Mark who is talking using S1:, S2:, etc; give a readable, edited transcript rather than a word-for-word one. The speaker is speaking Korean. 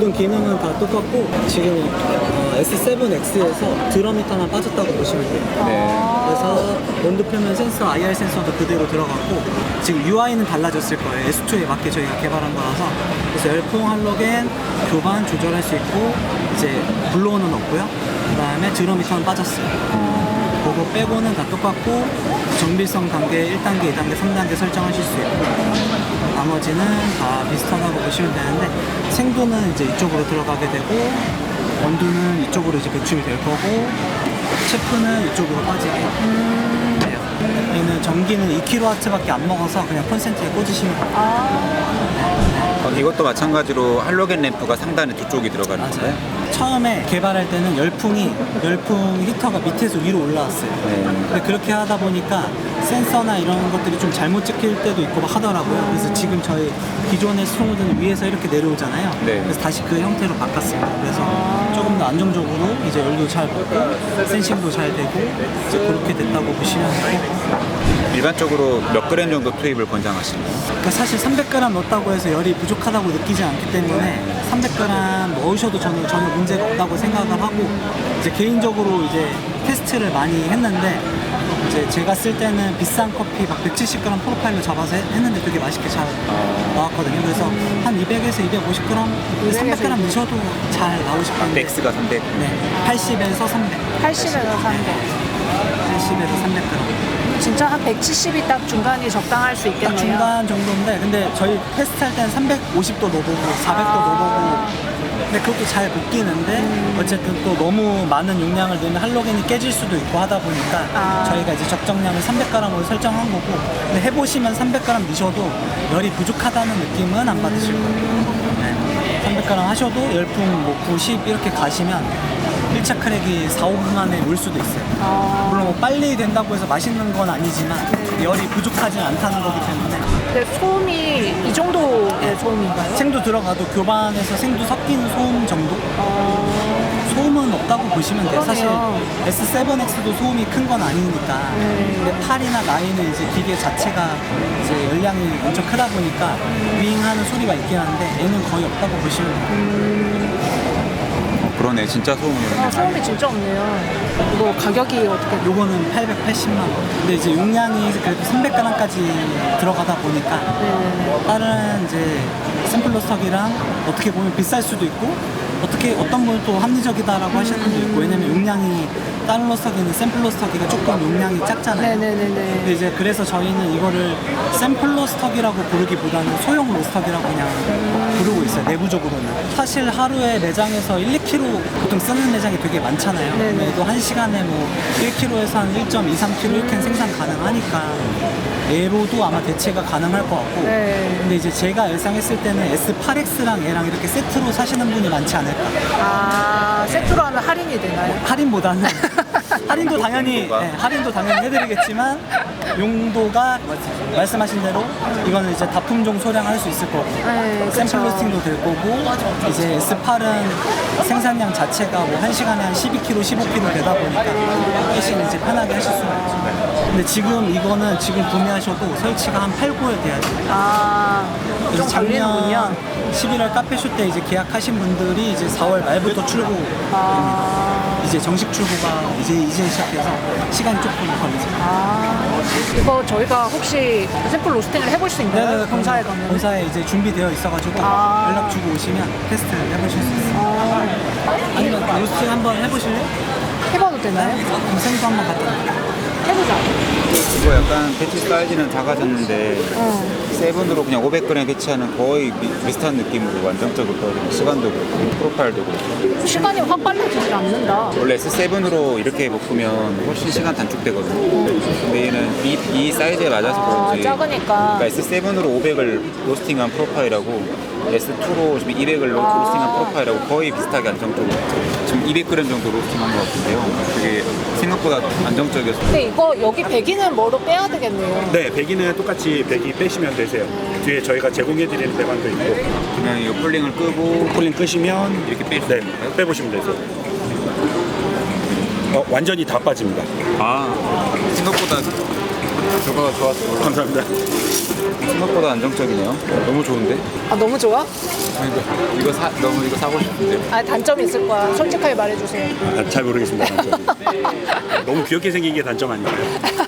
S1: 모든 기능은 다 똑같고 지금 S7X에서 드럼 히터만 빠졌다고 보시면 돼요. 그래서 온도 표면 센서, IR 센서도 그대로 들어갔고 지금 UI는 달라졌을 거예요. S2에 맞게 저희가 개발한 거라서. 그래서 열풍, 할로겐, 교반 조절할 수 있고 이제 블로어는 없고요. 그 다음에 드럼 히터는 빠졌어요. 그거 빼고는 다 똑같고 정비성 단계 1단계, 2단계, 3단계 설정하실 수 있고 나머지는 다 비슷하다고 보시면 되는데 생도는 이제 이쪽으로 들어가게 되고 원두는 이쪽으로 이제 배출이 될 거고 체프는 이쪽으로 빠지게 돼요. 얘는 전기는 2kW밖에 안 먹어서 그냥 콘센트에 꽂으시면 돼요.
S2: 이것도 마찬가지로 할로겐 램프가 상단에 두 쪽이 들어가는 거예요?
S1: 처음에 개발할 때는 열풍 히터가 밑에서 위로 올라왔어요. 근데 그렇게 하다 보니까 센서나 이런 것들이 좀 잘못 찍힐 때도 있고 막 하더라고요. 그래서 지금 저희 기존의 스토모드는 위에서 이렇게 내려오잖아요. 그래서 다시 그 형태로 바꿨습니다. 그래서 조금 더 안정적으로 이제 열도 잘 먹고 센싱도 잘 되고 이제 그렇게 됐다고 보시면 되고.
S2: 일반적으로 몇 그램 정도 투입을 권장하시나요?
S1: 그러니까 사실 300g 넣었다고 해서 열이 부족하다고 느끼지 않기 때문에 300g 넣으셔도 저는 전혀 문제가 없다고 생각을 하고 이제 개인적으로 이제 테스트를 많이 했는데 이제 제가 쓸 때는 비싼 커피 막 170g 프로파일로 잡아서 했는데 되게 맛있게 잘 나왔거든요. 그래서 한 200에서 250g, 300g 넣으셔도 잘 나오실 건데
S2: 맥스가 300?
S1: 네, 80에서 300.
S3: 80에서 300.
S1: 80에서 300g.
S3: 진짜 한 170이 딱 중간이 적당할 수
S1: 딱
S3: 있겠네요.
S1: 중간 정도인데 근데 저희 테스트할 때는 350도 넣어보고 400도 넣어보고 근데 그것도 잘 못 끼는데 어쨌든 또 너무 많은 용량을 넣으면 할로겐이 깨질 수도 있고 하다 보니까 저희가 이제 적정량을 300g으로 설정한 거고 근데 해보시면 300g 넣으셔도 열이 부족하다는 느낌은 안 받으실 거예요. 네. 300g 하셔도 열풍 뭐 90 이렇게 가시면 1차 크랙이 4, 5분 만에 올 수도 있어요. 물론 뭐 빨리 된다고 해서 맛있는 건 아니지만 열이 부족하진 않다는 거기 때문에
S3: 근데 소음이 이 정도의 소음인가요?
S1: 생도 들어가도 교반에서 생도 섞이는 소음 정도? 소음은 없다고 보시면 돼요. 사실 S7X도 소음이 큰 건 아니니까. 근데 8이나 9은 이제 기계 자체가 이제 열량이 엄청 크다 보니까 윙하는 소리가 있긴 한데 얘는 거의 없다고 보시면 돼요.
S2: 그러네, 진짜 소음이네.
S3: 소음이 진짜 없네요. 이거 가격이 어떻게 돼요?
S1: 요거는 880만 원. 근데 이제 용량이 그래도 300g까지 들어가다 보니까 다른 이제 샘플러스터기랑 어떻게 보면 비쌀 수도 있고 어떤 분은 또 합리적이다라고 하시는 분도 있고 왜냐면 용량이 다른 로스터기는 샘플 로스터기가 조금 용량이 작잖아요. 근데 이제 그래서 저희는 이거를 샘플 로스터기라고 부르기보다는 소형 로스터기라고 그냥 부르고 있어요. 내부적으로는. 사실 하루에 매장에서 1, 2kg 보통 쓰는 매장이 되게 많잖아요. 그래도 한 시간에 뭐 1kg에서 한 1.2, 3kg 이렇게 생산 가능하니까 얘로도 아마 대체가 가능할 것 같고 근데 이제 제가 예상했을 때는 S8X랑 얘랑 이렇게 세트로 사시는 분이 많지 않을까.
S3: 세트로 하면 할인이 되나요?
S1: 할인보다는 할인도 당연히 할인도 당연히 해드리겠지만 용도가 말씀하신 대로 이거는 이제 다품종 소량할 수 있을 거고 샘플 로스팅도 될 거고 이제 S8은 생산량 자체가 뭐 1시간에 한 12kg, 15kg 되다 보니까 훨씬 이제 편하게 하실 수가 있죠. 근데 지금 이거는 지금 구매하셔도 설치가 한 8, 9월 돼야 돼요.
S3: 좀 걸리는군요.
S1: 11월 카페쇼 때 이제 계약하신 분들이 이제 4월 말부터 출고입니다. 이제 정식 출고가 이제 시작해서 시간이 조금 걸리죠.
S3: 이거 저희가 혹시 샘플 로스팅을 해볼 수 있나요? 본사에 가면?
S1: 본사에 이제 준비되어 있어가지고 연락 주고 오시면 테스트를 해보실 수 있어요. 아니면 로스팅 한번 해보실래요?
S3: 해봐도 되나요?
S1: 그럼 생도 한번 갖다 드릴게요.
S3: 해보자.
S2: 이거 약간 배치 사이즈는 작아졌는데 세븐으로 그냥 500g 배치하는 거의 비슷한 느낌으로 안정적으로 떨어지고 시간도 그렇고 프로파일도 그렇고
S3: 시간이 확 빨라지지 않는다.
S2: 원래 S7으로 이렇게 볶으면 훨씬 시간 단축되거든요. 근데 얘는 이 사이즈에 맞아서 그런지
S3: 작으니까.
S2: 그러니까 S7으로 500을 로스팅한 프로파일하고 S2로 지금 200을 로스팅한 프로파일하고 거의 비슷하게 안정적으로 지금 200g 정도 로스팅한 것 같은데요. 그게 생각보다 안정적이어서
S3: 근데 이거 여기 배기는 뭐로 빼야 되겠네요.
S4: 네, 배기는 똑같이 배기 빼시면 되세요. 뒤에 저희가 제공해드리는 배관도 있고
S2: 그냥 이 폴링을 끄고
S4: 폴링 끄시면
S2: 이렇게 뺄 수
S4: 네,
S2: 있는 건가요?
S4: 빼보시면 되세요. 완전히 다 빠집니다.
S2: 아, 생각보다 결과가 좋았어.
S4: 감사합니다.
S2: 생각보다 안정적이네요. 너무 좋은데?
S3: 아, 너무 좋아?
S2: 너무 이거 사고 싶은데.
S3: 아, 단점이 있을 거야. 솔직하게 말해주세요.
S4: 잘 모르겠습니다. 단점이. 너무 귀엽게 생긴 게 단점 아닐까요?